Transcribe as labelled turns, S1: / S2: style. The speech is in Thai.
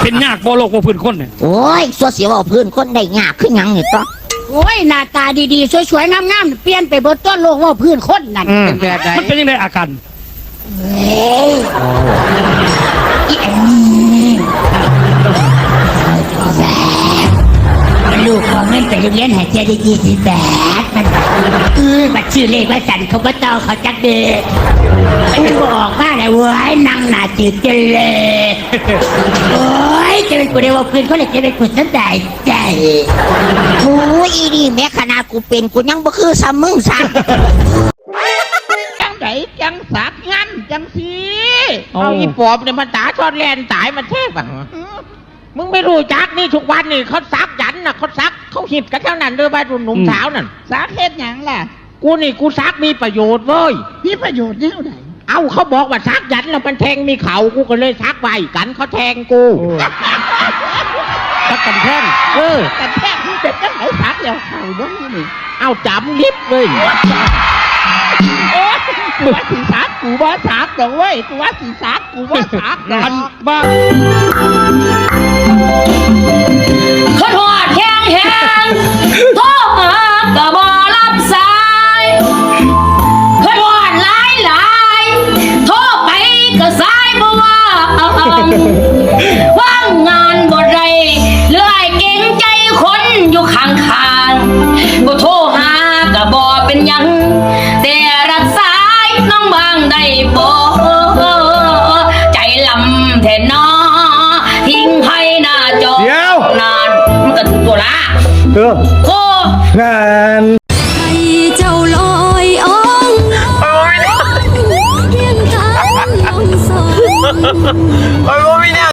S1: เป็นยากบ่โลกบ่พื้นคนเนี่ย
S2: โอ้ยสัวเสียวเอาพื้นคนได้ยากขึ้นยังนี่ต้อง
S3: โอ้ยหน้าตาดีๆสวยๆงามๆเปลี่ยนไปเบิดต้นโลกว่าพื้นคนนั่น
S4: เป็นแบบไหน
S1: มันเป็นยังไงอาการ
S3: เฮ้ยอีแอมลูกของเงินไปโรงเรียนหายใจได้20 บาทมันบอกบัตรชื่อเลขว่าสันเขาบ่ต้องเขาจักเด็กมันบอกว่าอะไรเว้ยนั่งหน้าจืดกันเลยโอ้ยจะเป็นกูได้ว่าพื้นคนเลยจะเป็นกูสนใจ
S2: โอ้ยอีนี่แม้ขนาดกูเป็นกูยังบ่คือซ้ำมึงซ้
S4: จังไหนจังสักงั้นจังสีเอาอีปอบเนี่ยมันตาชอนแลนตายมันเทพอ่ะมึงไม่รู้จักนี่ทุกวันนี่เขาซักยันน่ะเขาซักเขาหิบกันเท่านั้นเด้อบ้านหนุ่มสาวนั่น
S5: สาเหตุหยังล่ะ
S4: กูซักมีประโยชน์เว้ย
S5: มีประโยชน์แนวไหน
S4: เอาเขาบอกว่าซักยันแล้วมันแทงมีเขากูก็เลยซักไว้กันเขาแทงกู
S1: ตักกันแท่ง
S5: แต่แท้ที่เป็นจังไหนสักแล้วเข่าบ่มีนี่
S4: เอาจำลิบเลย
S5: โอ้ยกูว่าสีสักกูบ่สักดอกเว้ยกูว่าสีสักกูบ่สักดอก
S1: อันบ้า
S6: ขนวดแห้งแห้งโทรหากะบ่รับสายขนวดหลายหลายโทรไปก็สายบ่ว่าว่างงานบ่ได้เลื่อยเก่งใจคนอยู่ข้างๆบ่โทรหากะบ่เป็นหยังแต่รับสายน้องบ่า